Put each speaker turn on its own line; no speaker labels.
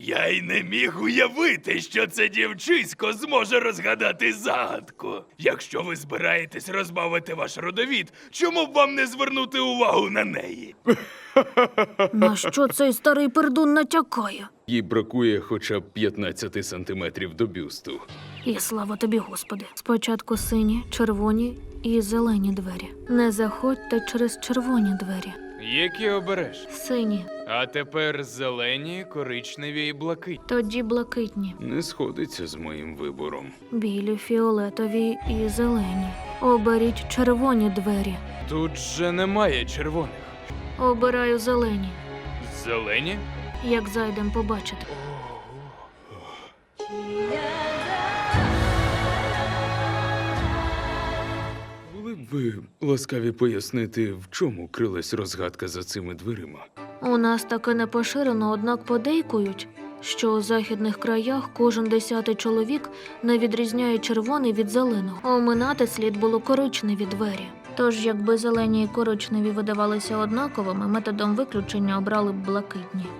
Я й не міг уявити, що це дівчисько зможе розгадати загадку. Якщо ви збираєтесь розбавити ваш родовід, чому б вам не звернути увагу на неї?
На що цей старий пердун натякає?
Їй бракує хоча б 15 сантиметрів до бюсту.
І слава тобі, Господи. Спочатку сині, червоні і зелені двері. Не заходьте через червоні двері.
Які обереш?
Сині,
А тепер зелені, коричневі і блакитні.
тоді блакитні.
Не сходиться з моїм вибором.
Білі, фіолетові і зелені. Оберіть червоні двері.
Тут же немає червоних.
Обираю зелені.
Зелені?
Як зайдем побачити.
Були б ви ласкаві пояснити, в чому крилась розгадка за цими дверима?
У нас таке не поширено, однак подейкують, що у західних краях кожен 10-й чоловік не відрізняє червоний від зеленого. Оминати слід було коричневі двері. Тож, якби зелені і коричневі видавалися однаковими, методом виключення обрали б блакитні.